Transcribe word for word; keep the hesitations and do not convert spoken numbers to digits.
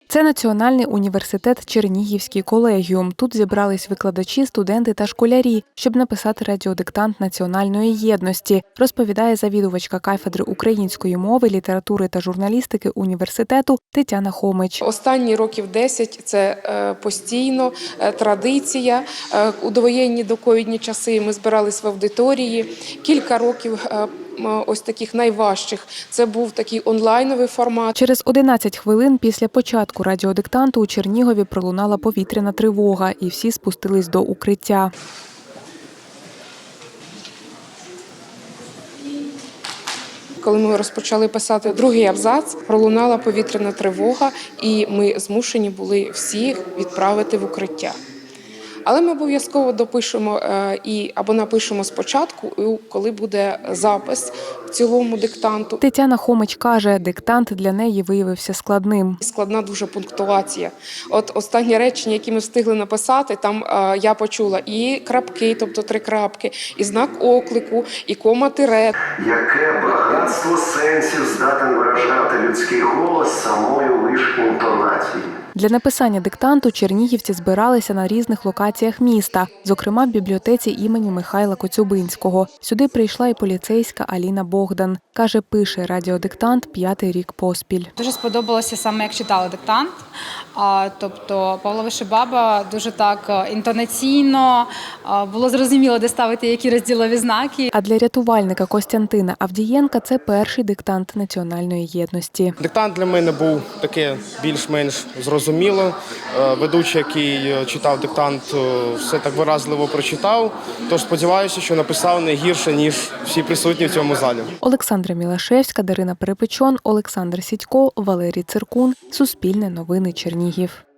Це Національний університет Чернігівський колегіум. Тут зібрались викладачі, студенти та школярі, щоб написати радіодиктант національної єдності, розповідає завідувачка кафедри української мови, літератури та журналістики університету Тетяна Хомич. Останні років десять – це постійно традиція. У довоєнні доковідні часи ми збирались в аудиторії. Кілька років ось таких найважчих – це був такий онлайновий формат. Через одинадцять хвилин після початку радіодиктанту у Чернігові пролунала повітряна тривога, і всі спустились до укриття. Коли ми розпочали писати другий абзац, пролунала повітряна тривога, і ми змушені були всіх відправити в укриття. Але ми обов'язково допишемо і або напишемо спочатку, коли буде запис в цілому диктанту. Тетяна Хомич каже, диктант для неї виявився складним. Складна дуже пунктуація. От останні речення, які ми встигли написати, там я почула і крапки, тобто три крапки, і знак оклику, і кома-тире. Яке багатство сенсів здатен виражати людський голос самою лиш інтонацією. Для написання диктанту чернігівці збиралися на різних локаціях міста, зокрема в бібліотеці імені Михайла Коцюбинського. Сюди прийшла і поліцейська Аліна Богдан. Каже, пише радіодиктант п'ятий рік поспіль. Дуже сподобалося саме, як читали диктант. Тобто Павло Вишибаба дуже так інтонаційно, було зрозуміло, де ставити які розділові знаки. А для рятувальника Костянтина Авдієнка це перший диктант національної єдності. Диктант для мене був таке більш-менш зрозуміло. Ведучий, який читав диктант, все так виразливо прочитав. Тож сподіваюся, що написав не гірше, ніж всі присутні в цьому залі. Олександра Мілашевська, Дарина Перепечон, Олександр Сідько, Валерій Циркун. Суспільне новини Чернігів.